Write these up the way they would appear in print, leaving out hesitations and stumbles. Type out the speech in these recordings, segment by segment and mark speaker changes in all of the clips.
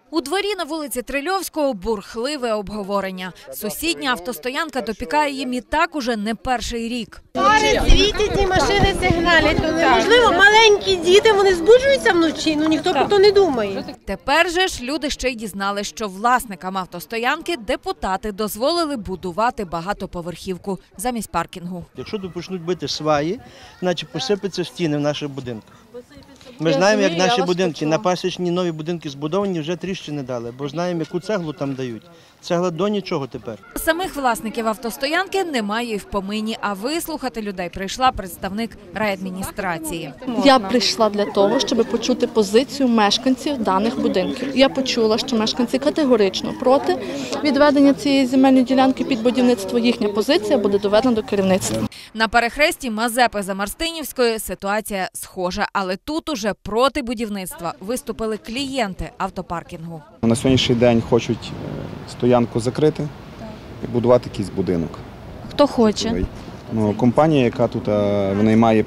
Speaker 1: У дворі на вулиці Трильовського бурхливе обговорення. Сусідня автостоянка допікає їм і так уже не перший рік.
Speaker 2: Фари світять і машини сигналять. Можливо, маленькі діти, вони збуджуються вночі, ніхто про то не думає.
Speaker 1: Тепер же ж люди ще й дізнали, що власникам автостоянки депутати дозволили будувати багатоповерхівку замість паркінгу.
Speaker 3: Якщо почнуть бити сваї, значить посипаться стіни в наших будинках. Ми знаємо, як наші будинки, на Пасічній нові будинки збудовані, вже тріщини дали, бо знаємо, яку цеглу там дають. Цегла до нічого тепер.
Speaker 1: Самих власників автостоянки немає і в помині, а вислухати людей прийшла представник райадміністрації.
Speaker 4: Я прийшла для того, щоб почути позицію мешканців даних будинків. Я почула, що мешканці категорично проти відведення цієї земельної ділянки під будівництво. Їхня позиція буде доведена до керівництва.
Speaker 1: На перехресті Мазепи-Замарстинівської ситуація схожа, але тут уже проти будівництва виступили клієнти автопаркінгу.
Speaker 5: На сьогоднішній день хочуть стоянку закрити і будувати якийсь будинок.
Speaker 4: Хто хоче?
Speaker 5: Компанія, яка тут винаймає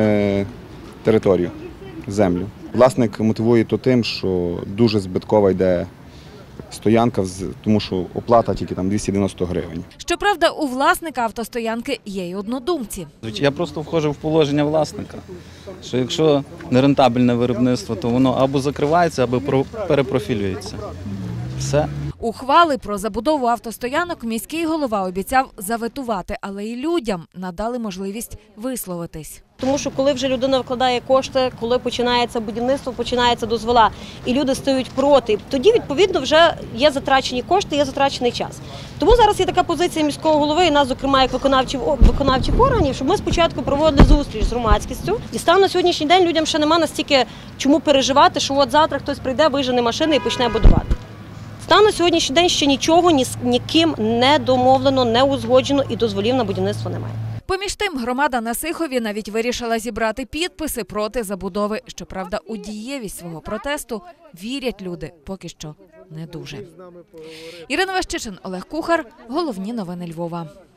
Speaker 5: територію, землю. Власник мотивує то тим, що дуже збиткова йде стоянка, тому що оплата тільки там 290 гривень.
Speaker 1: Щоправда, у власника автостоянки є й однодумці.
Speaker 6: Я просто входжу в положення власника, що якщо нерентабельне виробництво, то воно або закривається, або перепрофілюється. Все.
Speaker 1: Ухвали про забудову автостоянок міський голова обіцяв заветувати, але і людям надали можливість висловитись.
Speaker 2: Тому що коли вже людина вкладає кошти, коли починається будівництво, починається дозвола, і люди стають проти, тоді, відповідно, вже є затрачені кошти, є затрачений час. Тому зараз є така позиція міського голови і нас, зокрема, як виконавчих органів, щоб ми спочатку проводили зустріч з громадськістю. І станом на сьогоднішній день людям ще нема настільки чому переживати, що от завтра хтось прийде, вижене машини і почне будувати. Станом на сьогоднішній день ще нічого ніким не домовлено, не узгоджено і дозволів на будівництво немає.
Speaker 1: Поміж тим, громада на Сихові навіть вирішила зібрати підписи проти забудови. Щоправда, у дієвість свого протесту вірять люди поки що не дуже. Ірина Ващичин, Олег Кухар. Головні новини Львова.